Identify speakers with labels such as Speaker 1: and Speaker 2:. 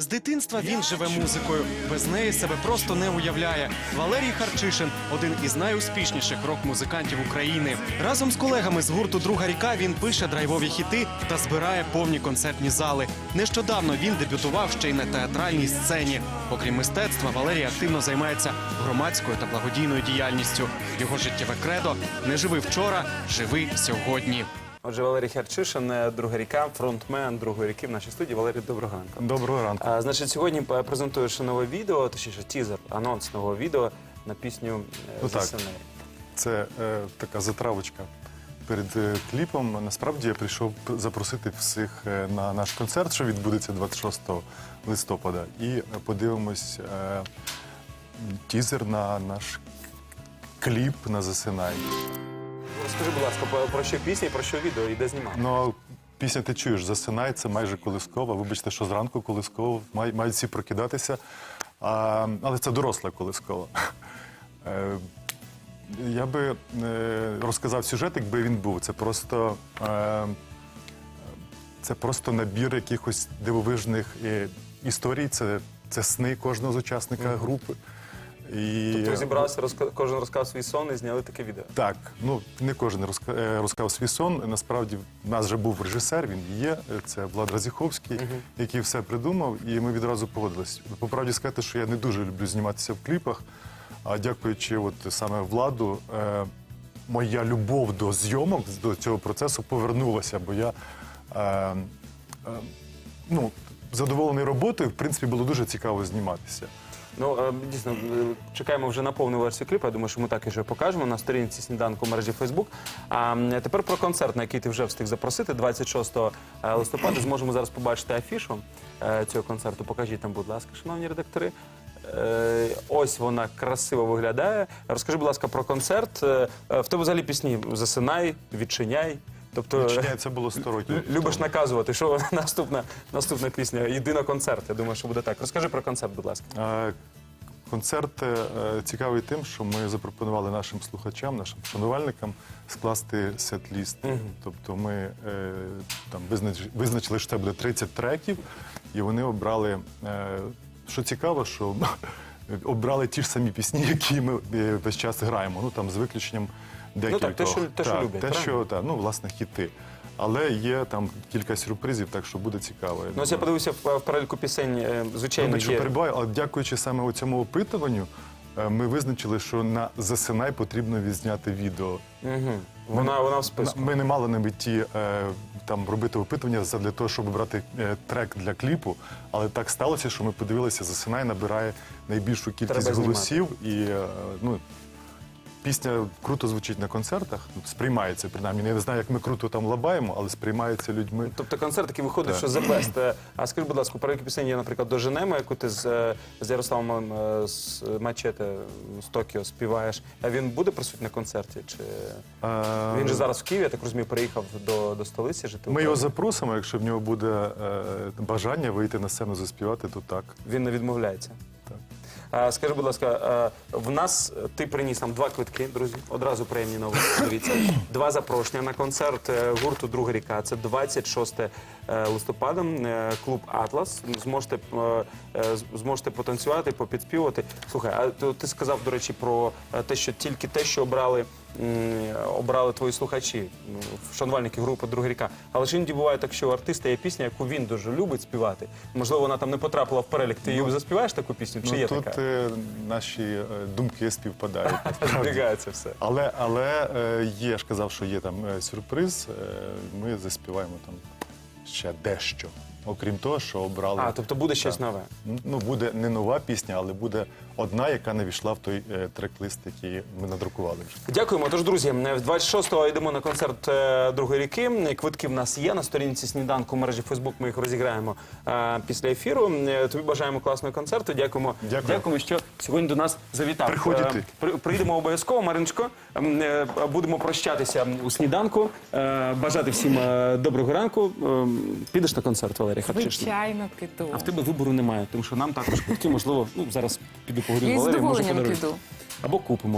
Speaker 1: З дитинства він живе музикою. Без неї себе просто не уявляє. Валерій Харчишин – один із найуспішніших рок-музикантів України. Разом з колегами з гурту «Друга ріка» він пише драйвові хіти та збирає повні концертні зали. Нещодавно він дебютував ще й на театральній сцені. Окрім мистецтва, Валерій активно займається громадською та благодійною діяльністю. Його життєве кредо – не живи вчора, живи сьогодні.
Speaker 2: Отже, Валерій Харчишин, «Друга ріка», фронтмен «Другої ріки» в нашій студії. Валерій, доброго ранку.
Speaker 3: Доброго ранку.
Speaker 2: Значить, сьогодні презентуєш нове відео, точніше тізер, анонс нового відео на пісню «Засинай».
Speaker 3: Це така затравочка перед кліпом. Насправді я прийшов запросити всіх на наш концерт, що відбудеться 26 листопада. І подивимось тізер на наш кліп на «Засинай».
Speaker 2: Скажи, будь ласка, про що пісня і про що відео, і де знімав?
Speaker 3: Ну, пісня ти чуєш, «Засинай» – це майже колискова. Вибачте, що зранку колискова, мають всі прокидатися. Але це доросла колискова. Я би розказав сюжет, якби він був. Це просто набір якихось дивовижних історій, це сни кожного з учасника групи.
Speaker 2: Тобто зібрався, кожен розказав свій сон і зняли таке відео?
Speaker 3: Так, ну не кожен розказав свій сон. Насправді в нас вже був режисер, він є, це Влад Разіховський, який все придумав, і ми відразу погодились. По правді сказати, що я не дуже люблю зніматися в кліпах, а дякуючи саме Владу, моя любов до зйомок, до цього процесу повернулася, бо я задоволений роботою, в принципі, було дуже цікаво зніматися.
Speaker 2: Ну, дійсно, чекаємо вже на повну версію кліпу. Я думаю, що ми так і вже покажемо на сторінці «Сніданку» в мережі Facebook. А тепер про концерт, на який ти вже встиг запросити. 26 листопада зможемо зараз побачити афішу цього концерту. Покажіть нам, будь ласка, шановні редактори. Ось вона красиво виглядає. Розкажи, будь ласка, про концерт. В тебе взагалі пісні «Засинай», «Відчиняй». Тобто,
Speaker 3: «Відчиняй» це було 100 років.
Speaker 2: Любиш наказувати, що наступна пісня. Йди на концерт, я думаю, що буде так. Розкажи про концерт, будь ласка.
Speaker 3: Концерт цікавий тим, що ми запропонували нашим слухачам, нашим шанувальникам скласти сет-ліст. Тобто ми визначили, що це буде 30 треків, і вони обрали, що цікаво, що обрали ті ж самі пісні, які ми весь час граємо, з виключенням декількох.
Speaker 2: Ну так, те, що люблять,
Speaker 3: правильно? Власне, хіти. Але є там кілька сюрпризів, так що буде цікаво.
Speaker 2: Ну, ось я подивився в переліку пісень, звичайно,
Speaker 3: є... перебуваю, але дякуючи саме цьому опитуванню, ми визначили, що на «Засинай» потрібно відзняти відео.
Speaker 2: Вона в списку.
Speaker 3: Ми не мали на меті робити опитування для того, щоб обрати трек для кліпу, але так сталося, що ми подивилися, «Засинай» набирає найбільшу кількість голосів. І пісня круто звучить на концертах, сприймається, принаймні. Я не знаю, як ми круто там лабаємо, але сприймається людьми.
Speaker 2: Тобто концерт, який виходить, що the best. А скажи, будь ласка, про які пісень є, наприклад, «Доженемо», яку ти з Ярославом з Мачете з Токіо співаєш. А він буде присутній на концерті? Чи він же зараз в Києві, я так розумію, переїхав до столиці жити?
Speaker 3: Ми його запросимо, якщо в нього буде бажання вийти на сцену заспівати, то так.
Speaker 2: Він не відмовляється?
Speaker 3: Так.
Speaker 2: Скажи, будь ласка, в нас ти приніс нам 2 квитки, друзі, одразу приємні новини, дивіться. 2 запрошення на концерт гурту «Друга ріка». Це 26 листопада, клуб «Атлас». Зможете потанцювати, попідспівати. Слухай, а ти сказав, до речі, про те, що тільки те, що обрали твої слухачі, шанувальники групи «Друга ріка». Але ж іноді буває так, що у артиста є пісня, яку він дуже любить співати. Можливо, вона там не потрапила в перелік. Ти її заспіваєш таку пісню? Чи є така?
Speaker 3: Тут наші думки співпадають.
Speaker 2: Збігається все.
Speaker 3: Але є, я ж казав, що є там сюрприз. Ми заспіваємо там ще дещо. Окрім того, що обрали...
Speaker 2: Тобто буде щось нове?
Speaker 3: Ну, буде не нова пісня, але буде одна, яка не війшла в той трек-лист, який ми надрукували вже.
Speaker 2: Дякуємо. Тож, друзі, 26-го йдемо на концерт «Другої ріки». Квитки в нас є на сторінці «Сніданку» в мережі Facebook. Ми їх розіграємо після ефіру. Тобі бажаємо класного концерту. Дякуємо. Дякуємо, що сьогодні до нас завітав.
Speaker 3: Приходите.
Speaker 2: Приїдемо обов'язково, Мариночко. Будемо прощатися у «Сніданку». Бажати всім доброго ранку. Підеш на концерт, Валерій Харчишин?
Speaker 4: Звичайно, піду.
Speaker 2: А в тебе вибору немає, тому що нам також квитки, можливо, зараз піду поговорю з
Speaker 4: Я з
Speaker 2: Валерієм, може
Speaker 4: задоволенням
Speaker 2: подаруєш.
Speaker 4: піду.
Speaker 2: Або купимо.